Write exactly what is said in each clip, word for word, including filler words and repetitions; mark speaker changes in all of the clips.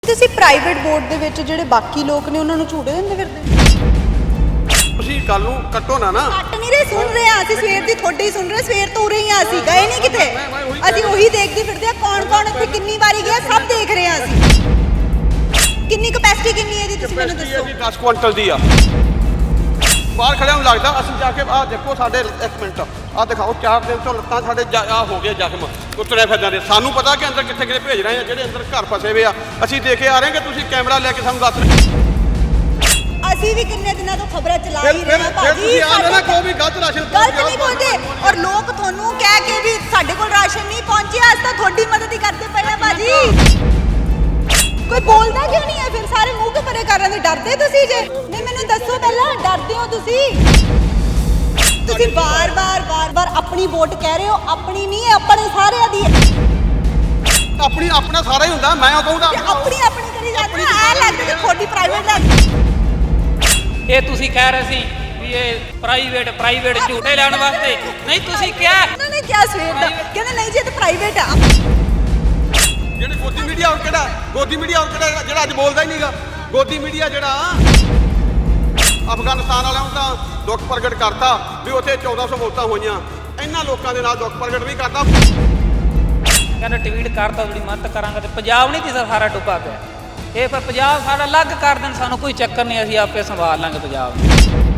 Speaker 1: ਤੁਸੀਂ private board ਦੇ ਵਿੱਚ ਜਿਹੜੇ ਬਾਕੀ ਲੋਕ ਨੇ ਉਹਨਾਂ ਨੂੰ ਝੂਟੇ ਦਿੰਦੇ ਫਿਰਦੇ
Speaker 2: ਤੁਸੀਂ ਗੱਲ ਨੂੰ ਕੱਟੋ ਨਾ ਨਾ
Speaker 1: ਕੱਟ ਨਹੀਂ ਰਹੇ, ਸੁਣ ਰਹੇ ਆ ਅਸੀਂ ਸਵੇਰ ਦੀ ਤੁਹਾਡੀ ਸੁਣ ਰਹੇ, ਸਵੇਰ ਤੋਂ ਉਰੇ ਹੀ ਆ, ਅਸੀਂ ਗਏ ਨਹੀਂ ਕਿਤੇ, ਅਸੀਂ ਉਹੀ ਦੇਖਦੇ ਫਿਰਦੇ ਆ ਕੌਣ ਕੌਣ ਇੱਥੇ ਕਿੰਨੀ ਵਾਰੀ ਗਿਆ ਸਭ ਦੇਖ ਰਹੇ ਆ ਅਸੀਂ। ਕਿੰਨੀ ਕਪੈਸਿਟੀ ਕਿੰਨੀ ਹੈ ਇਹਦੀ ਤੁਸੀਂ ਮੈਨੂੰ ਦੱਸੋ।
Speaker 2: ਜੀ ਦਸ ਕੁਇੰਟਲ ਦੀ ਆ। ਬਾਹਰ ਖੜਿਆਂ ਨੂੰ ਲੱਗਦਾ ਅਸੀਂ ਜਾ ਕੇ ਆਹ ਦੇਖੋ ਸਾਡੇ ਇੱਕ ਮਿੰਟ ਆਹ ਦਿਖਾਓ ਚਾਰ ਦਿਨ ਤੋਂ ਲੱਤਾਂ ਸਾਡੇ ਆ ਹੋ ਗਏ ਜ਼ਖਮ ਕੁੱਤਰੇ ਫਿਰਦਾਂ ਦੇ। ਸਾਨੂੰ ਪਤਾ ਕਿ ਅੰਦਰ ਕਿੱਥੇ ਕਿੱਥੇ ਭੇਜ ਰਹੇ ਆ, ਜਿਹੜੇ ਅੰਦਰ ਘਰ ਫਸੇ ਹੋਏ ਆ ਅਸੀਂ ਦੇ ਕੇ ਆ ਰਹੇ ਕਿ ਤੁਸੀਂ ਕੈਮਰਾ ਲੈ ਕੇ ਸਾਨੂੰ ਦੱਸ ਰਹੇ।
Speaker 1: ਅਸੀਂ ਵੀ ਕਿੰਨੇ ਦਿਨਾਂ ਤੋਂ ਖਬਰਾਂ ਚਲਾ ਹੀ ਰਹੇ ਹਾਂ ਭਾਜੀ,
Speaker 2: ਤੁਸੀਂ ਆ ਨਾ ਕੋਈ ਵੀ ਗਲਤ ਰਾਸ਼ਨ
Speaker 1: ਗਲਤ ਨਹੀਂ ਬੋਲਦੇ ਔਰ ਲੋਕ ਤੁਹਾਨੂੰ ਕਹਿ ਕੇ ਵੀ ਸਾਡੇ ਕੋਲ ਰਾਸ਼ਨ ਨਹੀਂ ਪਹੁੰਚਿਆ ਅੱਜ ਤਾਂ ਤੁਹਾਡੀ ਮਦਦ ਹੀ ਕਰਦੇ ਪਏ ਆ ਭਾਜੀ। ਕੋਈ ਬੋਲਦਾ ਕਿਉਂ ਨਹੀਂ ਹੈ ਫਿਰ? ਸਾਰੇ ਮੂੰਹ ਕੇ ਪਰੇ ਕਰਨ ਦੇ ਡਰਦੇ ਤੁਸੀਂ ਜੇ? ਨਹੀਂ ਮੈਨੂੰ ਦੱਸੋ ਪਹਿਲਾਂ, ਡਰਦੇ ਹੋ ਤੁਸੀਂ? ਤੁਸੀਂ ਬਾਰ-ਬਾਰ ਬਾਰ-ਬਾਰ ਆਪਣੀ ਵੋਟ ਕਹਿ ਰਹੇ ਹੋ, ਆਪਣੀ ਨਹੀਂ ਹੈ ਆਪਣੇ ਸਾਰਿਆਂ ਦੀ ਹੈ।
Speaker 2: ਆਪਣੀ ਆਪਣਾ ਸਾਰਾ ਹੀ ਹੁੰਦਾ, ਮੈਂ ਉਹ ਕਹੂੰਦਾ
Speaker 1: ਆਪਣੀ ਆਪਣੀ ਕਰੀ ਜਾਂਦੇ ਆ, ਲੱਗਦਾ ਕਿ ਤੁਹਾਡੀ ਪ੍ਰਾਈਵੇਟ ਲੱਗ।
Speaker 3: ਇਹ ਤੁਸੀਂ ਕਹਿ ਰਹੇ ਸੀ ਵੀ ਇਹ ਪ੍ਰਾਈਵੇਟ ਪ੍ਰਾਈਵੇਟ ਝੂਟੇ ਲੈਣ ਵਾਸਤੇ ਨਹੀਂ, ਤੁਸੀਂ ਕਿਹਾ
Speaker 1: ਉਹਨਾਂ ਨੇ ਕਿਹਾ ਸਵੇਰ ਦਾ, ਕਹਿੰਦੇ ਨਹੀਂ ਜੀ ਇਹ ਤਾਂ ਪ੍ਰਾਈਵੇਟ ਆ।
Speaker 2: ਜਿਹੜੇ ਗੋਦੀ ਮੀਡੀਆ ਹੋਰ ਕਿਹੜਾ ਗੋਦੀ ਮੀਡੀਆ ਹੋਰ ਕਿਹੜਾ ਜਿਹੜਾ ਅੱਜ ਬੋਲਦਾ ਹੀ ਨਹੀਂਗਾ। ਗੋਦੀ ਮੀਡੀਆ ਜਿਹੜਾ ਅਫਗਾਨਿਸਤਾਨ ਵਾਲਿਆਂ ਨੂੰ ਤਾਂ ਦੁੱਖ ਪ੍ਰਗਟ ਕਰਤਾ ਵੀ ਉੱਥੇ ਚੌਦਾਂ ਸੌ ਮੌਤਾਂ ਹੋਈਆਂ, ਇਹਨਾਂ ਲੋਕਾਂ ਦੇ ਨਾਲ ਦੁੱਖ ਪ੍ਰਗਟ ਵੀ ਕਰਦਾ।
Speaker 3: ਕਹਿੰਦਾ ਟਵੀਟ ਕਰਤਾ ਜਿਹੜੀ ਮਦਦ ਕਰਾਂਗਾ ਤੇ ਪੰਜਾਬ ਨਹੀਂ ਤੇ ਸਾਰਾ ਡੁੱਬਾ ਪਿਆ। ਇਹ ਫਿਰ ਪੰਜਾਬ ਸਾਡਾ ਅਲੱਗ ਕਰ ਦੇਣ, ਸਾਨੂੰ ਕੋਈ ਚੱਕਰ ਨਹੀਂ, ਅਸੀਂ ਆਪੇ ਸੰਭਾਲ ਲਾਂਗੇ ਪੰਜਾਬ ਨੂੰ।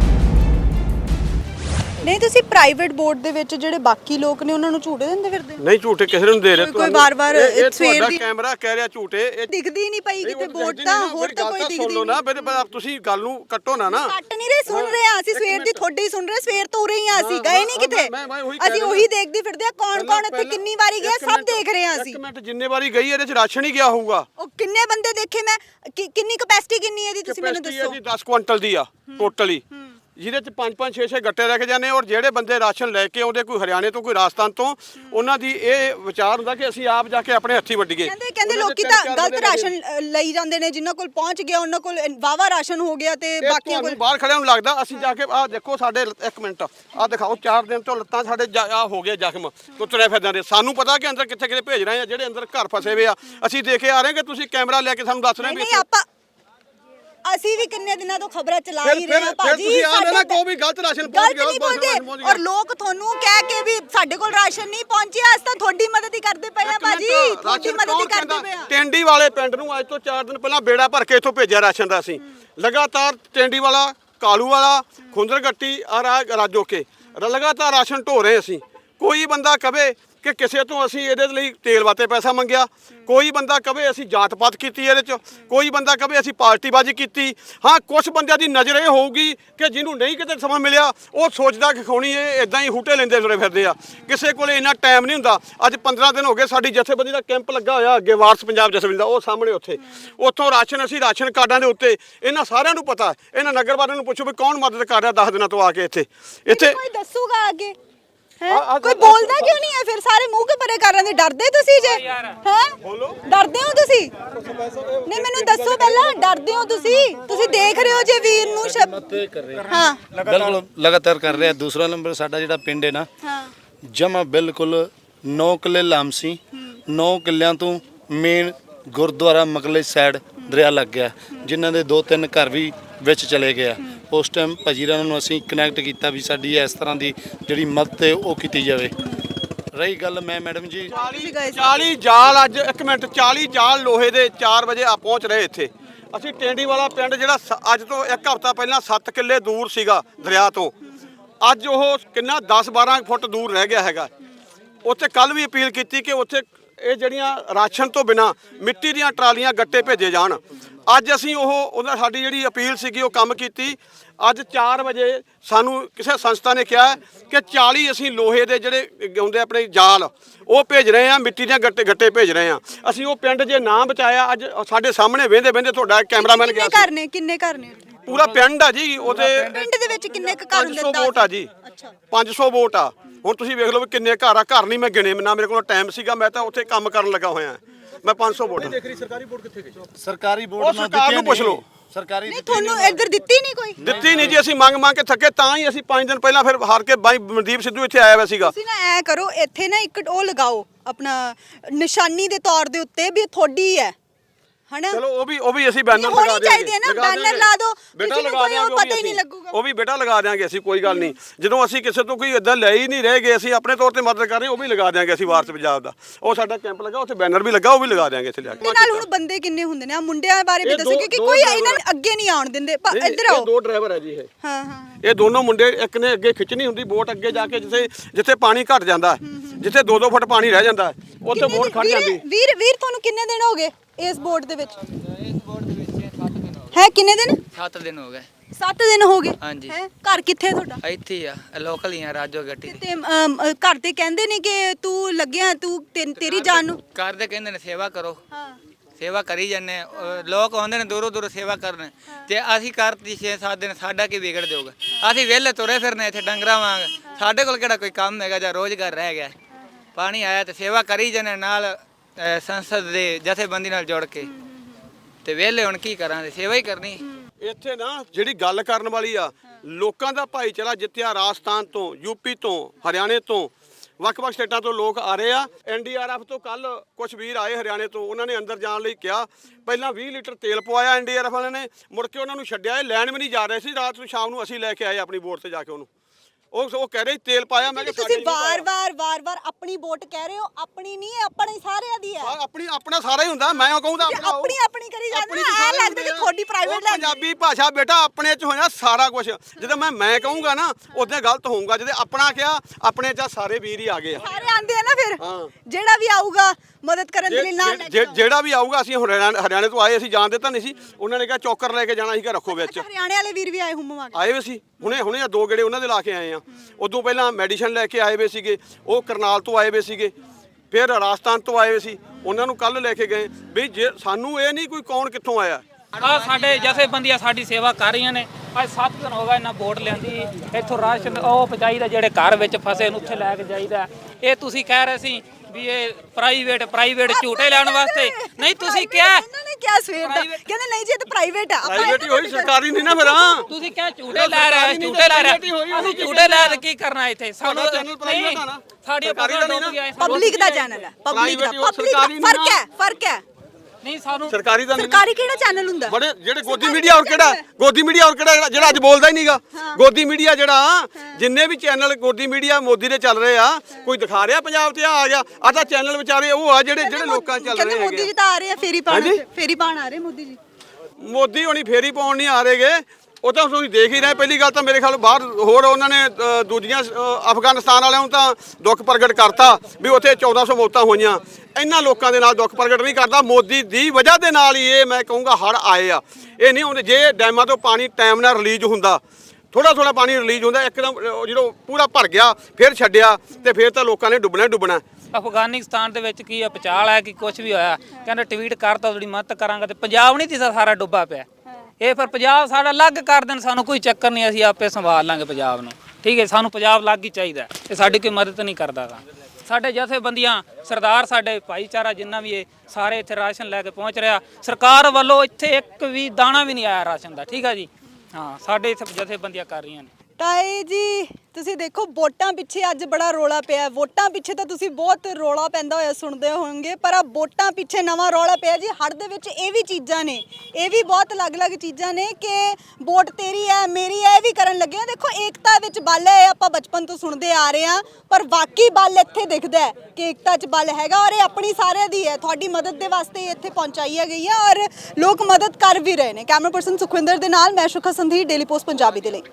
Speaker 1: ਨਹੀਂ ਤੁਸੀਂ ਪ੍ਰਾਈਵੇਟ ਬੋਰਡ ਦੇ ਵਿੱਚ ਜਿਹੜੇ ਬਾਕੀ ਲੋਕ ਨੇ ਉਹਨਾਂ ਨੂੰ ਝੂਟੇ ਦਿੰਦੇ ਫਿਰਦੇ?
Speaker 2: ਨਹੀਂ ਝੂਠੇ ਕਿਸੇ ਨੂੰ ਦੇ ਰਹੇ
Speaker 1: ਕੋਈ ਵਾਰ-ਵਾਰ ਸਵੇਰ ਦੀ
Speaker 2: ਕੈਮਰਾ ਕਹਿ ਰਿਹਾ ਝੂਠੇ, ਇਹ
Speaker 1: ਦਿਖਦੀ ਨਹੀਂ ਪਈ ਕਿਤੇ ਬੋਰਡ ਤਾਂ ਹੋਰ ਤਾਂ ਕੋਈ ਦਿਖਦੀ
Speaker 2: ਨਹੀਂ ਨਾ। ਮੇਰੇ ਬਾਪ ਤੁਸੀਂ ਗੱਲ ਨੂੰ ਕੱਟੋ ਨਾ ਨਾ
Speaker 1: ਕੱਟ ਨਹੀਂ ਰਹੇ, ਸੁਣ ਰਹੇ ਆ ਅਸੀਂ ਸਵੇਰ ਦੀ ਤੁਹਾਡੀ ਸੁਣ ਰਹੇ, ਸਵੇਰ ਤੋਂ ਉਰੇ ਹੀ ਆ, ਅਸੀਂ ਗਏ ਨਹੀਂ ਕਿਤੇ, ਅਸੀਂ ਉਹੀ ਦੇਖਦੇ ਫਿਰਦੇ ਆ ਕੌਣ ਕੌਣ ਇੱਥੇ ਕਿੰਨੀ ਵਾਰੀ ਗਿਆ ਸਭ ਦੇਖ ਰਹੇ ਆ ਅਸੀਂ।
Speaker 2: ਇੱਕ ਮਿੰਟ ਜਿੰਨੇ ਵਾਰੀ ਗਈ ਇਹਦੇ ਚ ਰਾਸ਼ਨ ਹੀ ਗਿਆ ਹੋਊਗਾ।
Speaker 1: ਉਹ ਕਿੰਨੇ ਬੰਦੇ ਦੇਖੇ ਮੈਂ, ਕਿੰਨੀ ਕਪੈਸਿਟੀ ਕਿੰਨੀ ਹੈ ਇਹਦੀ ਤੁਸੀਂ ਮੈਨੂੰ ਦੱਸੋ।
Speaker 2: ਜੀ ਦਸ ਕੁਇੰਟਲ ਦੀ ਆ ਟੋਟਲੀ, ਜਿਹਦੇ ਚ ਪੰਜ ਪੰਜ ਛੇ ਛੇ ਗੱਟੇ ਰੱਖ ਜਾਂਦੇ ਔਰ ਜਿਹੜੇ ਬੰਦੇ ਰਾਸ਼ਨ ਲੈ ਕੇ ਆਉਂਦੇ ਕੋਈ ਹਰਿਆਣੇ ਤੋਂ ਕੋਈ ਰਾਜਸਥਾਨ ਤੋਂ, ਉਹਨਾਂ ਦੀ ਇਹ ਵਿਚਾਰ ਹੁੰਦਾ ਕਿ ਅਸੀਂ ਆਪ ਜਾ ਕੇ ਆਪਣੇ ਹੱਥੀਂ ਵੱਢੀਏ।
Speaker 1: ਕਹਿੰਦੇ ਕਹਿੰਦੇ ਲੋਕੀ ਤਾਂ ਗਲਤ ਰਾਸ਼ਨ ਲਈ ਜਾਂਦੇ ਨੇ, ਜਿਨ੍ਹਾਂ ਕੋਲ ਪਹੁੰਚ ਗਿਆ ਉਹਨਾਂ ਕੋਲ ਵਾਵਾ ਰਾਸ਼ਨ ਹੋ ਗਿਆ ਤੇ ਬਾਕੀਆਂ ਕੋਲ
Speaker 2: ਬਾਹਰ ਖੜਿਆਂ ਨੂੰ ਲੱਗਦਾ ਅਸੀਂ ਜਾ ਕੇ ਆਹ ਦੇਖੋ ਸਾਡੇ ਇੱਕ ਮਿੰਟ ਆਹ ਦਿਖਾਓ ਚਾਰ ਦਿਨ ਤੋਂ ਲੱਤਾਂ ਸਾਡੇ ਆ ਹੋ ਗਏ ਜ਼ਖਮ ਕੁੱਤਰੇ ਫਿਰਦਾਂ ਦੇ। ਸਾਨੂੰ ਪਤਾ ਕਿ ਅੰਦਰ ਕਿੱਥੇ ਕਿੱਥੇ ਭੇਜ ਰਹੇ ਆ, ਜਿਹੜੇ ਅੰਦਰ ਘਰ ਫਸੇ ਹੋਏ ਆ ਅਸੀਂ ਦੇ ਕੇ ਆ ਰਹੇ ਕਿ ਤੁਸੀਂ ਕੈਮਰਾ ਲੈ ਕੇ ਸਾਨੂੰ ਦੱਸ ਰਹੇ।
Speaker 1: ਨਹੀਂ ਆਪਾਂ ਅਸੀਂ ਵੀ ਕਿੰਨੇ ਦਿਨਾਂ ਤੋਂ ਖਬਰਾਂ ਚਲਾ ਹੀ ਰਹੇ ਹਾਂ ਭਾਜੀ,
Speaker 2: ਤੁਸੀਂ ਆ ਨਾ ਕੋਈ ਵੀ ਗਲਤ ਰਾਸ਼ਨ
Speaker 1: ਗਲਤ ਨਹੀਂ ਬੋਲਦੇ ਔਰ ਲੋਕ ਤੁਹਾਨੂੰ ਕਹਿ ਕੇ ਵੀ ਸਾਡੇ ਕੋਲ ਰਾਸ਼ਨ ਨਹੀਂ ਪਹੁੰਚਿਆ ਅੱਜ ਤਾਂ ਤੁਹਾਡੀ ਮਦਦ ਹੀ ਕਰਦੇ ਪਏ ਆ ਭਾਜੀ, ਤੁਹਾਡੀ ਮਦਦ ਹੀ ਕਰਦੇ ਪਏ ਆ।
Speaker 2: ਟੈਂਡੀ ਵਾਲੇ ਪਿੰਡ ਨੂੰ ਅੱਜ ਤੋਂ ਚਾਰ ਦਿਨ ਪਹਿਲਾਂ ਬੇੜਾ ਭਰ ਕੇ ਇੱਥੋਂ ਭੇਜਿਆ ਰਾਸ਼ਨ ਦਾ। ਅਸੀਂ ਲਗਾਤਾਰ ਟੈਂਡੀ ਵਾਲਾ, ਕਾਲੂ ਵਾਲਾ, ਖੁੰਦਰ ਗੱਟੀ ਔਰ ਰਾਜੋਕੇ ਲਗਾਤਾਰ ਰਾਸ਼ਨ ਢੋ ਰਹੇ ਅਸੀਂ। ਕੋਈ ਬੰਦਾ ਕਵੇ ਕਿ ਕਿਸੇ ਤੋਂ ਅਸੀਂ ਇਹਦੇ ਲਈ ਤੇਲ ਵਾਤੇ ਪੈਸਾ ਮੰਗਿਆ, ਕੋਈ ਬੰਦਾ ਕਵੇ ਅਸੀਂ ਜਾਤ ਪਾਤ ਕੀਤੀ ਇਹਦੇ 'ਚ, ਕੋਈ ਬੰਦਾ ਕਵੇ ਅਸੀਂ ਪਾਰਟੀਬਾਜ਼ੀ ਕੀਤੀ। ਹਾਂ ਕੁਝ ਬੰਦਿਆਂ ਦੀ ਨਜ਼ਰ ਇਹ ਹੋਊਗੀ ਕਿ ਜਿਹਨੂੰ ਨਹੀਂ ਕਿਤੇ ਸਮਾਂ ਮਿਲਿਆ ਉਹ ਸੋਚਦਾ ਕਿ ਖੋਣੀ ਇਹ ਇੱਦਾਂ ਹੀ ਹੂਟੇ ਲੈਂਦੇ ਤੁਰੇ ਫਿਰਦੇ ਆ, ਕਿਸੇ ਕੋਲ ਇੰਨਾ ਟਾਈਮ ਨਹੀਂ ਹੁੰਦਾ। ਅੱਜ ਪੰਦਰਾਂ ਦਿਨ ਹੋ ਗਏ ਸਾਡੀ ਜਥੇਬੰਦੀ ਦਾ ਕੈਂਪ ਲੱਗਾ ਹੋਇਆ ਅੱਗੇ ਵਾਰਸ ਪੰਜਾਬ ਜਥੇਬੰਦੀ ਦਾ, ਉਹ ਸਾਹਮਣੇ ਉੱਥੇ ਉੱਥੋਂ ਰਾਸ਼ਨ ਅਸੀਂ ਰਾਸ਼ਨ ਕਾਰਡਾਂ ਦੇ ਉੱਤੇ ਇਹਨਾਂ ਸਾਰਿਆਂ ਨੂੰ ਪਤਾ, ਇਹਨਾਂ ਨਗਰ ਵਾਲਿਆਂ ਨੂੰ ਪੁੱਛੋ ਵੀ ਕੌਣ ਮਦਦ ਕਰ ਰਿਹਾ ਦਸ ਦਿਨਾਂ ਤੋਂ ਆ ਕੇ ਇੱਥੇ ਇੱਥੇ
Speaker 1: ਕੋਈ ਦੱਸੂਗਾ ਅੱਗੇ ਕੋਈ ਬੋਲਦਾ ਕਿਉਂ ਨਹੀਂ ਹੈ ਫਿਰ? ਸਾਰੇ ਮੂੰਹ ਕੇ ਪਰੇ ਕਰਨ ਦੇ ਡਰਦੇ ਤੁਸੀਂ ਜੇ? ਹੈ ਡਰਦੇ ਹੋ ਤੁਸੀਂ? ਨਹੀਂ ਮੈਨੂੰ ਦੱਸੋ ਪਹਿਲਾਂ, ਡਰਦੇ ਹੋ ਤੁਸੀਂ? ਤੁਸੀਂ ਦੇਖ ਰਹੇ ਹੋ ਜੇ ਵੀਰ ਨੂੰ ਸ਼ਬਦ ਹਾਂ
Speaker 4: ਬਿਲਕੁਲ ਲਗਾਤਾਰ ਕਰ ਰਿਹਾ। ਦੂਸਰਾ ਨੰਬਰ ਸਾਡਾ ਜਿਹੜਾ ਪਿੰਡ ਹੈ ਨਾ,
Speaker 1: ਹਾਂ
Speaker 4: ਜਮਾ ਬਿਲਕੁਲ ਨੌ ਕਿੱਲੇ ਲਾਮਸੀ, ਨੌ ਕਿੱਲਿਆਂ ਤੋਂ ਮੇਨ ਗੁਰਦੁਆਰਾ ਮਗਲੇ ਸਾਈਡ ਦਰਿਆ ਲੱਗ ਗਿਆ, ਜਿਨ੍ਹਾਂ ਦੇ ਦੋ ਤਿੰਨ ਘਰ ਵੀ ਵਿੱਚ ਚਲੇ ਗਏ। ਉਸ ਟਾਈਮ ਭਾਜੀਰਾਂ ਨੂੰ ਅਸੀਂ ਕਨੈਕਟ ਕੀਤਾ ਵੀ ਸਾਡੀ ਇਸ ਤਰ੍ਹਾਂ ਦੀ ਜਿਹੜੀ ਮਦਦ ਹੈ ਉਹ ਕੀਤੀ ਜਾਵੇ। ਰਹੀ ਗੱਲ ਮੈਂ ਮੈਡਮ ਜੀ
Speaker 2: ਚਾਲੀ ਜਾਲ ਅੱਜ ਇੱਕ ਮਿੰਟ ਚਾਲੀ ਜਾਲ ਲੋਹੇ ਦੇ ਚਾਰ ਵਜੇ ਆ ਪਹੁੰਚ ਰਹੇ ਇੱਥੇ। ਅਸੀਂ ਟੈਂਡੀ ਵਾਲਾ ਪਿੰਡ ਜਿਹੜਾ ਅੱਜ ਤੋਂ ਇੱਕ ਹਫ਼ਤਾ ਪਹਿਲਾਂ ਸੱਤ ਕਿੱਲੇ ਦੂਰ ਸੀਗਾ ਦਰਿਆ ਤੋਂ, ਅੱਜ ਉਹ ਕਿੰਨਾ ਦਸ ਬਾਰਾਂ ਫੁੱਟ ਦੂਰ ਰਹਿ ਗਿਆ ਹੈਗਾ। ਉੱਥੇ ਕੱਲ ਵੀ ਅਪੀਲ ਕੀਤੀ ਕਿ ਉੱਥੇ ਇਹ ਜਿਹੜੀਆਂ ਰਾਸ਼ਨ ਤੋਂ ਬਿਨਾਂ ਮਿੱਟੀ ਦੀਆਂ ਟਰਾਲੀਆਂ ਗੱਟੇ ਭੇਜੇ ਜਾਣ। ਅੱਜ ਅਸੀਂ ਉਹ ਉਹਨਾਂ ਸਾਡੀ ਜਿਹੜੀ ਅਪੀਲ ਸੀਗੀ ਉਹ ਕੰਮ ਕੀਤੀ। ਅੱਜ ਚਾਰ ਵਜੇ ਸਾਨੂੰ ਕਿਸੇ ਸੰਸਥਾ ਨੇ ਕਿਹਾ ਕਿ ਚਾਲੀ ਅਸੀਂ ਲੋਹੇ ਦੇ ਜਿਹੜੇ ਹੁੰਦੇ ਆਪਣੇ ਜਾਲ ਉਹ ਭੇਜ ਰਹੇ ਆ, ਮਿੱਟੀ ਦੀਆਂ ਗੱਟੇ ਗੱਟੇ ਭੇਜ ਰਹੇ ਆ। ਅਸੀਂ ਉਹ ਪਿੰਡ ਜੇ ਨਾ ਬਚਾਇਆ, ਅੱਜ ਸਾਡੇ ਸਾਹਮਣੇ ਵੇਂਦੇ ਵੇਂਦੇ ਤੁਹਾਡਾ ਕੈਮਰਾਮੈਨ ਗਿਆ
Speaker 1: ਕਿੰਨੇ ਘਰ ਨੇ ਕਿੰਨੇ ਘਰ ਨੇ
Speaker 2: ਪੂਰਾ ਪਿੰਡ ਆ ਜੀ। ਉਹਦੇ
Speaker 1: ਪਿੰਡ ਦੇ ਵਿੱਚ ਕਿੰਨੇ ਕੁ ਘਰ ਹੁੰਦੇ?
Speaker 2: ਪੰਜ ਸੌ ਵੋਟ ਆ ਜੀ।
Speaker 1: ਅੱਛਾ
Speaker 2: ਪੰਜ ਸੌ ਵੋਟ ਆ। ਹੁਣ ਤੁਸੀਂ ਵੇਖ ਲਓ ਵੀ ਕਿੰਨੇ ਘਰ ਆ, ਘਰ ਨਹੀਂ ਮੈਂ ਗਿਣੇ, ਨਾ ਮੇਰੇ ਕੋਲ ਟਾਈਮ ਸੀਗਾ, ਮੈਂ ਤਾਂ ਉੱਥੇ ਕੰਮ ਕਰਨ ਲੱਗਾ ਹੋਇਆ। ਮੈਂ ਪੰਜ ਸੌ ਵੋਟ ਦੇਖ ਰਹੀ। ਸਰਕਾਰੀ ਵੋਟ ਕਿੱਥੇ ਗਈ?
Speaker 4: ਸਰਕਾਰੀ ਵੋਟ
Speaker 2: ਉਹ ਸਰਕਾਰ ਨੂੰ ਪੁੱਛ ਲਓ।
Speaker 4: ਸਰਕਾਰੀ
Speaker 1: ਨਹੀਂ ਤੁਹਾਨੂੰ ਇੱਧਰ ਦਿੱਤੀ ਨਹੀਂ ਕੋਈ?
Speaker 2: ਦਿੱਤੀ ਨਹੀਂ ਜੀ, ਅਸੀਂ ਮੰਗ ਮੰਗ ਕੇ ਥੱਕੇ, ਤਾਂ ਹੀ ਅਸੀਂ ਪੰਜ ਦਿਨ ਪਹਿਲਾਂ ਫਿਰ ਹਾਰ ਕੇ ਬਾਈ ਮਨਦੀਪ ਸਿੱਧੂ ਇੱਥੇ ਆਇਆ ਹੋਇਆ ਸੀਗਾ।
Speaker 1: ਤੁਸੀਂ ਨਾ ਐ ਕਰੋ, ਇੱਥੇ ਨਾ ਇੱਕ ਉਹ ਲਗਾਓ ਆਪਣਾ ਨਿਸ਼ਾਨੀ ਦੇ ਤੌਰ ਦੇ ਉੱਤੇ ਵੀ ਇਹ ਤੁਹਾਡੀ ਹੈ। ਹਨਾ
Speaker 2: ਚਲੋ ਉਹ ਵੀ ਉਹ ਵੀ ਅਸੀਂ ਬੈਨਰ
Speaker 1: ਹੋਣੀ
Speaker 2: ਲਗਾ
Speaker 1: ਚਾਹੀਦੀ
Speaker 2: ਦਿਆਂਗੇ
Speaker 1: ਹੈ ਨਾ,
Speaker 2: ਲਗਾ
Speaker 1: ਬੈਨਰ
Speaker 2: ਦਿਆਂਗੇ।
Speaker 1: ਲਾ ਦਿਓ,
Speaker 2: ਬੇਟਾ
Speaker 1: ਕਿਸੇ ਨੂੰ
Speaker 2: ਲਗਾ
Speaker 1: ਕੋਈ ਉਹ
Speaker 2: ਦਿਆਂਗੇ,
Speaker 1: ਪਤਾ ਹੀ
Speaker 2: ਅਸੀਂ।
Speaker 1: ਨਹੀਂ ਲੱਗੂਗਾ।
Speaker 2: ਉਹ ਵੀ ਬੇਟਾ ਲਗਾ ਦਿਆਂਗੇ ਅਸੀਂ, ਕੋਈ ਗੱਲ ਨਹੀਂ। ਜਦੋਂ ਅਸੀਂ ਕਿਸੇ ਤੋਂ ਕੋਈ ਇਦਾਂ ਲੈ ਹੀ ਨਹੀਂ ਰਹੇਗੇ, ਅਸੀਂ ਆਪਣੇ ਤੌਰ ਤੇ ਮਦਦ ਕਰ ਰਹੇ ਉਹ ਵੀ ਲਗਾ ਦਿਆਂਗੇ ਅਸੀਂ। ਵਾਰਸ ਪੰਜਾਬ ਦਾ ਉਹ ਸਾਡਾ ਕੈਂਪ ਲੱਗਾ, ਉੱਥੇ ਬੈਨਰ ਵੀ ਲੱਗਾ, ਉਹ ਵੀ ਲਗਾ ਦਿਆਂਗੇ ਇੱਥੇ ਲਿਆ ਕੇ।
Speaker 1: ਤੇ ਨਾਲ ਹੁਣ ਬੰਦੇ ਕਿੰਨੇ ਹੁੰਦੇ ਨੇ? ਆ ਮੁੰਡਿਆਂ ਬਾਰੇ ਵੀ
Speaker 2: ਇਹ
Speaker 1: ਦੱਸੋ,
Speaker 2: ਦੋ-
Speaker 1: ਕਿਉਂਕਿ
Speaker 2: ਦੋ
Speaker 1: ਕੋਈ
Speaker 2: driver
Speaker 1: ਇਹਨਾਂ ਨੂੰ ਅੱਗੇ ਨਹੀਂ ਆਉਣ ਦਿੰਦੇ। ਪ-
Speaker 2: ਨਹੀਂ,
Speaker 1: ਇੱਧਰ
Speaker 2: ਇਹ
Speaker 1: ਆਓ।
Speaker 2: ਦੋ ਡਰਾਈਵਰ ਹੈ ਜੀ ਇਹ।
Speaker 1: ਹਾਂ ਹਾਂ
Speaker 2: ਇਹ ਦੋਨੋਂ ਮੁੰਡੇ, ਇੱਕ ਨੇ ਅੱਗੇ ਖਿੱਚਣੀ ਹੁੰਦੀ ਬੋਟ, ਅੱਗੇ ਜਾ ਕੇ ਜਿੱਥੇ ਜਿੱਥੇ ਪਾਣੀ ਘਟ ਜਾਂਦਾ, ਜਿੱਥੇ ਦੋ ਦੋ ਫੁੱਟ ਪਾਣੀ ਰਹਿ ਜਾਂਦਾ, ਉੱਥੇ
Speaker 1: ਕਿੰਨੇ
Speaker 2: ਬੋਟ
Speaker 1: ਦਿਨ-
Speaker 2: ਖੜ
Speaker 1: ਵੀਰ-
Speaker 2: ਜਾਂਦੀ।
Speaker 1: ਵੀਰ ਵੀਰ ਤੁਹਾਨੂੰ ਕਿੰਨੇ ਦਿਨ ਹੋ ਗਏ ਇਸ ਬੋਟ ਦੇ ਵਿੱਚ?
Speaker 5: ਇਸ ਬੋਰਡ ਦੇ ਵਿੱਚ ਸੱਤ ਦਿਨ ਹੋ
Speaker 1: ਹੈ ਕਿੰਨੇ ਦਿਨ?
Speaker 5: ਗਏ ਸੱਤ ਦਿਨ ਹੋ ਗਏ
Speaker 1: ਸੱਤ ਦਿਨ ਹੋ ਗਏ।
Speaker 5: ਹਾਂਜੀ।
Speaker 1: ਹੈਂ? ਘਰ ਕਿੱਥੇ ਤੁਹਾਡਾ?
Speaker 5: ਇੱਥੇ ਹੀ ਆ ਲੋਕਲ ਹੀ ਆ ਰਾਜੋ ਗੱਟੀ ਦੀ
Speaker 1: ਤੇ ਅਮ, ਅ, ਘਰ ਤੇ ਕਹਿੰਦੇ ਨੇ ਕਿ ਤੂੰ ਲੱਗਿਆ, ਤੂੰ ਤੇ- ਤੇਰੀ ਜਾਨ ਨੂੰ।
Speaker 5: ਕਰਦੇ ਕਹਿੰਦੇ ਨੇ ਸੇਵਾ ਕਰੋ,
Speaker 1: ਹਾਂ
Speaker 5: ਸੇਵਾ ਕਰੀ ਜਾਂਦੇ ਆ। ਅਹ ਲੋਕ ਆਉਂਦੇ ਨੇ ਦੂਰੋਂ ਦੂਰੋਂ ਸੇਵਾ ਕਰਨ, ਤੇ ਅਸੀਂ ਕਰਤੀ ਛੇ ਸੱਤ ਦਿਨ, ਸਾਡਾ ਕੀ ਵਿਗੜ ਜਾਊਗਾ? ਅਸੀਂ ਵਿਹਲੇ ਤੁਰੇ ਫਿਰਨੇ ਇੱਥੇ ਡੰਗਰਾਂ ਵਾਂਗ, ਸਾਡੇ ਕੋਲ ਕਿਹੜਾ ਕੋਈ ਕੰਮ ਹੈਗਾ ਜਾਂ ਰੋਜ਼ਗਾਰ ਰਹਿ ਗਿਆ? ਪਾਣੀ ਆਇਆ ਤੇ ਸੇਵਾ ਕਰੀ ਜਾਂਦੇ ਨਾਲ ਅਹ ਸੰਸਦ ਦੇ ਜਥੇਬੰਦੀ ਨਾਲ ਜੁੜ ਕੇ, ਤੇ ਵਿਹਲੇ ਹੁਣ ਕੀ ਕਰਾਂਗੇ? ਸੇਵਾ ਹੀ ਕਰਨੀ।
Speaker 2: ਇੱਥੇ ਨਾ ਜਿਹੜੀ ਗੱਲ ਕਰਨ ਵਾਲੀ ਆ, ਲੋਕਾਂ ਦਾ ਭਾਈਚਾਰਾ ਜਿੱਤਿਆ ਰਾਜਸਥਾਨ ਤੋਂ, ਯੂਪੀ ਤੋਂ, ਹਰਿਆਣੇ ਤੋਂ, ਵੱਖ-ਵੱਖ ਸਟੇਟਾਂ ਤੋਂ ਲੋਕ ਆ ਰਹੇ ਆ। ਐਨ ਡੀ ਆਰ ਐਫ ਤੋਂ ਕੱਲ ਕੁਝ ਵੀਰ ਆਏ ਹਰਿਆਣੇ ਤੋਂ, ਉਹਨਾਂ ਨੇ ਅੰਦਰ ਜਾਣ ਲਈ ਕਿਹਾ। ਪਹਿਲਾਂ ਵੀਹ ਲੀਟਰ ਤੇਲ ਪਵਾਇਆ ਐਨ ਡੀ ਆਰ ਐਫ ਵਾਲਿਆਂ ਨੇ, ਮੁੜ ਕੇ ਉਹਨਾਂ ਨੂੰ ਛੱਡਿਆ। ਇਹ ਲੈਣ ਵੀ ਨਹੀਂ ਜਾ ਰਹੇ ਸੀ। ਰਾਤ ਨੂੰ ਸ਼ਾਮ ਨੂੰ ਅਸੀਂ ਲੈ ਕੇ ਆਏ ਆਪਣੀ ਬੋਟ ਤੇ ਜਾ ਕੇ ਉਹਨੂੰ। ਉਹ ਉਹ ਕਹਿ ਰਹੇ ਤੇਲ ਪਾਇਆ, ਮੈਂ ਕਿਹਾ
Speaker 1: ਤੁਸੀਂ ਵਾਰ-ਵਾਰ ਵਾਰ-ਵਾਰ ਆਪਣੀ ਵੋਟ ਕਹਿ ਰਹੇ ਹੋ। ਆਪਣੀ ਨਹੀਂ ਹੈ, ਆਪਣੀ ਸਾਰਿਆਂ ਦੀ ਹੈ।
Speaker 2: ਆਪਣੀ ਆਪਣਾ ਸਾਰਾ ਹੀ ਹੁੰਦਾ, ਮੈਂ ਉਹ ਕਹੂੰਦਾ
Speaker 1: ਤੇ
Speaker 2: ਆਪਣਾ ਉਹ।
Speaker 1: ਆਪਣੀ ਆਪਣੀ ਕਰੀ ਜਾਂਦੇ
Speaker 2: ਆਪਣੀ
Speaker 1: ਨਾ,
Speaker 2: ਤਾਂ
Speaker 1: ਐਂ
Speaker 2: ਸਾਰੇ
Speaker 1: ਲੱਗਦਾ ਕਿ
Speaker 2: ਹੁੰਦੇ ਆ।
Speaker 1: ਤੁਹਾਡੀ private
Speaker 2: ਉਹ
Speaker 1: ਲੈ
Speaker 2: ਪੰਜਾਬੀ ਭਾਸ਼ਾ ਬੇਟਾ ਆਪਣੇ ਚ ਹੋਇਆ ਸਾਰਾ ਕੁਝ। ਜਦੋਂ ਮੈਂ ਮੈਂ ਕਹੂੰਗਾ ਨਾ ਉਦੋਂ ਗਲਤ ਹੋਊਗਾ। ਜਦੋਂ ਆਪਣਾ ਕਿਹਾ, ਆਪਣੇ ਚ ਸਾਰੇ ਵੀਰ ਹੀ ਆ ਗਏ ਆ।
Speaker 1: ਸਾਰੇ ਆਂਦੇ ਆ ਨਾ ਫਿਰ।
Speaker 2: ਹਾਂ।
Speaker 1: ਜਿਹੜਾ ਵੀ ਆਊਗਾ ਮਦਦ ਕਰਨ ਦੇ ਲਈ ਨਾਲ ਲੈ ਕੇ
Speaker 2: ਜੇ- ਜਿਹੜਾ ਵੀ ਆਊਗਾ, ਅਸੀਂ ਹਰਿਆਣਾ ਹਰਿਆਣੇ ਤੋਂ ਆਏ, ਅਸੀਂ ਜਾਣਦੇ ਤਾਂ ਨਹੀਂ ਸੀ। ਉਹਨਾਂ ਨੇ ਕਿਹਾ ਚੌਕਰ ਲੈ ਕੇ ਜਾਣਾ, ਅਸੀਂ ਕਿਹਾ ਰੱਖੋ ਵਿੱਚ।
Speaker 1: ਅੱਛਾ, ਹਰਿਆਣੇ ਵਾਲੇ ਵੀਰ ਵੀ ਆਏ ਹੁੰਮ ਆ ਕੇ।
Speaker 2: ਆਏ ਵੇ ਸੀ ਹੁਣੇ ਹੁਣੇ ਆ ਦੋ ਗੇੜੇ ਉਹਨਾਂ ਦੇ ਲਾ ਕੇ ਆਏ ਆ। ਉਦੋਂ ਪਹਿਲਾਂ ਮੈਡੀਸਨ ਲੈ ਕੇ ਆਏ ਵੇ ਸੀਗੇ, ਉਹ ਕਰਨਾਲ ਤੋਂ ਆਏ ਵੇ ਸੀਗੇ। ਫਿਰ ਰਾਜਸਥਾਨ ਤੋਂ ਆਏ ਵੇ ਸੀ, ਉਹਨਾਂ ਨੂੰ ਕੱਲ ਲੈ ਕੇ ਗਏ। ਵੀ ਜੇ ਸਾਨੂੰ ਇਹ ਨਹੀਂ ਕੋਈ ਕੌਣ ਕਿੱਥੋਂ ਆਇਆ।
Speaker 3: ਆ ਸਾਡੇ ਜਥੇਬੰਦੀਆਂ ਸਾਡੀ ਸੇਵਾ ਕਰ ਰਹੀਆਂ ਨੇ। ਅੱਜ ਸੱਤ ਦਿਨ ਹੋ ਗਏ ਇਹਨਾਂ ਵੋਟ ਲਿਆਂਦੀ, ਇੱਥੋਂ ਰਾਸ਼ਨ ਉਹ ਪਹੁੰਚਾਈਦਾ, ਜਿਹੜੇ ਘਰ ਵਿੱਚ ਫਸੇ ਨੂੰ ਉੱਥੇ ਲੈ ਕੇ ਜਾਈਦਾ। ਇਹ ਤੁਸੀਂ ਕਹਿ ਰਹੇ ਸੀ ਵੀ ਇਹ ਪ੍ਰਾਈਵੇਟ ਪ੍ਰਾਈਵੇਟ ਝੂਟੇ ਲੈਣ ਵਾਸਤੇ। ਨਹੀਂ ਤੁਸੀਂ ਕਿਹਾ,
Speaker 1: ਇਹਨਾਂ ਨੇ ਕਿਹਾ ਸਵੇਰ ਦਾ, ਕਹਿੰਦੇ ਨਹੀਂ ਜੀ ਇਹ ਤਾਂ ਪ੍ਰਾਈਵੇਟ ਆ। ਆਪਾਂ
Speaker 2: ਪ੍ਰਾਈਵੇਟ ਹੀ ਹੋਈ, ਸਰਕਾਰੀ ਨਹੀਂ ਨਾ ਫਿਰ। ਹਾਂ
Speaker 3: ਤੁਸੀਂ ਕਿਹਾ ਝੂਟੇ ਲੈ ਰਹੇ, ਝੂਟੇ ਲੈ ਰਹੇ। ਅਸੀਂ ਝੂਟੇ ਲੈ ਕੇ ਕੀ ਕਰਨਾ ਇੱਥੇ? ਸਾਨੂੰ
Speaker 2: ਚੈਨਲ ਪ੍ਰਾਈਵੇਟ ਆ ਨਾ,
Speaker 3: ਸਾਡੀਆਂ
Speaker 2: ਸਰਕਾਰੀ
Speaker 3: ਪਗੜਾਂ
Speaker 2: ਦਾ
Speaker 3: ਡੁੱਬ
Speaker 2: ਨਹੀਂ
Speaker 3: ਗਿਆ।
Speaker 1: ਪਬਲਿਕ ਦਾ ਚੈਨਲ ਹੈ, ਪਬਲਿਕ ਦਾ।
Speaker 2: Private ਹੀ ਉਹ
Speaker 1: ਪਬਲਿਕ ਦਾ
Speaker 2: ਸਰਕਾਰੀ ਨਹੀਂ
Speaker 1: ਫਰਕ
Speaker 2: ਨਾ।
Speaker 1: ਹੈ, ਫਰਕ ਹੈ।
Speaker 3: ਨਹੀਂ ਸਾਨੂੰ
Speaker 2: ਸਰਕਾਰੀ ਦਾ ਨਹੀਂ ਨਾ।
Speaker 1: ਸਰਕਾਰੀ ਕਿਹੜਾ ਚੈਨਲ ਹੁੰਦਾ?
Speaker 2: ਬੜੇ ਜਿਹੜੇ ਗੋਦੀ ਮੀਡੀਆ ਹੋਰ ਕਿਹੜਾ, ਗੋਦੀ ਮੀਡੀਆ ਹੋਰ ਕਿਹੜਾ ਜਿਹੜਾ ਅੱਜ ਬੋਲਦਾ ਹੀ ਨਹੀਂਗਾ। ਗੋਦੀ ਮੀਡੀਆ ਜਿਹੜਾ, ਜਿੰਨੇ ਵੀ ਚੈਨਲ ਗੋਦੀ ਮੀਡੀਆ ਮੋਦੀ ਦੇ ਚੱਲ ਰਹੇ ਆ, ਕੋਈ ਦਿਖਾ ਰਿਹਾ ਪੰਜਾਬ ਤੇ ਆ ਗਿਆ। ਆ ਤਾਂ ਚੈਨਲ ਵਿਚਾਰੇ ਉਹ ਆ ਜਿਹੜੇ ਜਿਹੜੇ ਲੋਕਾਂ 'ਚ ਚੱਲ
Speaker 1: ਕਹਿੰਦੇ
Speaker 2: ਰਹੇ
Speaker 1: ਮੋਦੀ
Speaker 2: ਹੈਗੇ।
Speaker 1: ਜੀ ਤਾਂ ਆ ਰਹੇ ਆ ਫੇਰੀ ਪਾਣ,
Speaker 2: ਹਾਂਜੀ?
Speaker 1: ਫੇਰੀ ਪਾਣ ਆ ਰਹੇ ਮੋਦੀ ਜੀ।
Speaker 2: ਮੋਦੀ ਹੋਣੀ ਫੇਰੀ ਪਾਉਣ ਨਹੀਂ ਆ ਰਹੇਗੇ। ਉਹ ਤਾਂ ਤੁਸੀਂ ਦੇਖ ਹੀ ਰਹੇ। ਪਹਿਲੀ ਗੱਲ ਤਾਂ ਮੇਰੇ ਖਿਆਲ ਬਾਹਰ ਹੋਰ ਉਹਨਾਂ ਨੇ ਅ, ਦੂਜੀਆਂ ਅ, ਅਫਗਾਨਿਸਤਾਨ ਵਾਲਿਆਂ ਨੂੰ ਤਾਂ ਦੁੱਖ ਪ੍ਰਗਟ ਕਰਤਾ ਵੀ ਉੱਥੇ ਚੌਦਾਂ ਸੌ ਮੌਤਾਂ ਹੋਈਆਂ। ਇਹਨਾਂ ਲੋਕਾਂ ਦੇ ਨਾਲ ਦੁੱਖ ਪ੍ਰਗਟ ਨਹੀਂ ਕਰਦਾ। ਮੋਦੀ ਦੀ ਵਜ੍ਹਾ ਦੇ ਨਾਲ ਹੀ ਇਹ ਮੈਂ ਕਹੂੰਗਾ ਹੜ੍ਹ ਆਏ ਆ। ਇਹ ਨਹੀਂ ਹੁੰਦੇ ਜੇ ਡੈਮਾਂ ਤੋਂ ਪਾਣੀ ਟਾਈਮ ਨਾਲ ਰਿਲੀਜ਼ ਹੁੰਦਾ, ਥੋੜਾ ਥੋੜਾ ਪਾਣੀ ਰਿਲੀਜ਼ ਹੁੰਦਾ, ਇੱਕਦਮ ਅ, ਜਦੋਂ ਪੂਰਾ ਭਰ ਗਿਆ ਫਿਰ ਛੱਡਿਆ ਤੇ ਫਿਰ ਤਾਂ ਲੋਕਾਂ ਨੇ ਡੁੱਬਣਾ ਹੀ ਡੁੱਬਣਾ।
Speaker 3: ਅਫਗਾਨਿਸਤਾਨ ਦੇ ਵਿੱਚ ਕੀ ਆ ਪਚਾਲ ਹੈ ਕਿ ਕੁਝ ਵੀ ਹੋਇਆ, ਕਹਿੰਦੇ ਟਵੀਟ ਕਰਤਾ ਤੁਹਾਡੀ ਮਦਦ ਕਰਾਂਗੇ। ਤੇ ਪੰਜਾਬ ਨਹੀਂ ਸੀ ਸਾਰਾ ਡੁੱਬਾ ਪਿਆ। ਇਹ ਫਿਰ ਪੰਜਾਬ ਸਾਡਾ ਅਲੱਗ ਕਰ ਦੇਣ, ਸਾਨੂੰ ਕੋਈ ਚੱਕਰ ਨਹੀਂ, ਅਸੀਂ ਆਪੇ ਸੰਭਾਲ ਲਾਂਗੇ ਪੰਜਾਬ ਨੂੰ। ਠੀਕ ਹੈ, ਸਾਨੂੰ ਪੰਜਾਬ ਅਲੱਗ ਹੀ ਚਾਹੀਦਾ। ਇਹ ਸਾਡੀ ਕੋਈ ਮਦਦ ਨਹੀਂ ਕਰਦਾ ਗਾ। ਸਾਡੇ ਜਥੇਬੰਦੀਆਂ, ਸਰਦਾਰ, ਸਾਡੇ ਭਾਈਚਾਰਾ ਜਿੰਨਾ ਵੀ ਇਹ ਸਾਰੇ ਇੱਥੇ ਰਾਸ਼ਨ ਲੈ ਕੇ ਪਹੁੰਚ ਰਿਹਾ। ਸਰਕਾਰ ਵੱਲੋਂ ਇੱਥੇ ਇੱਕ ਵੀ ਦਾਣਾ ਵੀ ਨਹੀਂ ਆਇਆ ਰਾਸ਼ਨ ਦਾ। ਠੀਕ ਹੈ ਜੀ, ਹਾਂ ਸਾਡੇ ਇੱਥੇ ਜਥੇਬੰਦੀਆਂ ਕਰ ਰਹੀਆਂ ਨੇ।
Speaker 1: ਤਾਏ ਜੀ ਤੁਸੀਂ ਦੇਖੋ ਵੋਟਾਂ ਪਿੱਛੇ ਅੱਜ ਬੜਾ ਰੋਲਾ ਪਿਆ। ਵੋਟਾਂ ਪਿੱਛੇ ਤਾਂ ਤੁਸੀਂ ਬਹੁਤ ਰੋਲਾ ਪੈਂਦਾ ਹੋਇਆ ਸੁਣਦੇ ਹੋਵੋਗੇ, ਪਰ ਆ ਵੋਟਾਂ ਪਿੱਛੇ ਨਵਾਂ ਰੋਲਾ ਪਿਆ ਜੀ। ਹੜ੍ਹ ਦੇ ਵਿੱਚ ਇਹ ਵੀ ਚੀਜ਼ਾਂ ਨੇ, ਇਹ ਵੀ ਬਹੁਤ ਅਲੱਗ-ਅਲੱਗ ਚੀਜ਼ਾਂ ਨੇ ਕਿ ਵੋਟ ਤੇਰੀ ਹੈ ਮੇਰੀ ਹੈ, ਇਹ ਵੀ ਕਰਨ ਲੱਗੇ ਆ। ਦੇਖੋ ਏਕਤਾ ਵਿੱਚ ਬਲ ਹੈ, ਆਪਾਂ ਬਚਪਨ ਤੋਂ ਸੁਣਦੇ ਆ ਰਹੇ ਹਾਂ, ਪਰ ਵਾਕਈ ਬਲ ਇੱਥੇ ਦਿਖਦਾ ਹੈ ਕਿ ਏਕਤਾ 'ਚ ਬਲ ਹੈਗਾ ਔਰ ਇਹ ਆਪਣੀ ਸਾਰਿਆਂ ਦੀ ਹੈ। ਤੁਹਾਡੀ ਮਦਦ ਦੇ ਵਾਸਤੇ ਇੱਥੇ ਪਹੁੰਚਾਈ ਗਈ ਹੈ ਔਰ ਲੋਕ ਮਦਦ ਕਰ ਵੀ ਰਹੇ ਨੇ। ਕੈਮਰਾ ਪਰਸਨ ਸੁਖਵਿੰਦਰ ਦੇ ਨਾਲ ਮੈਂ ਸ਼ੁਖਾ ਸੰਧੀ, ਡੇਲੀ ਪੋਸਟ ਪੰਜਾਬੀ ਦੇ ਲਈ।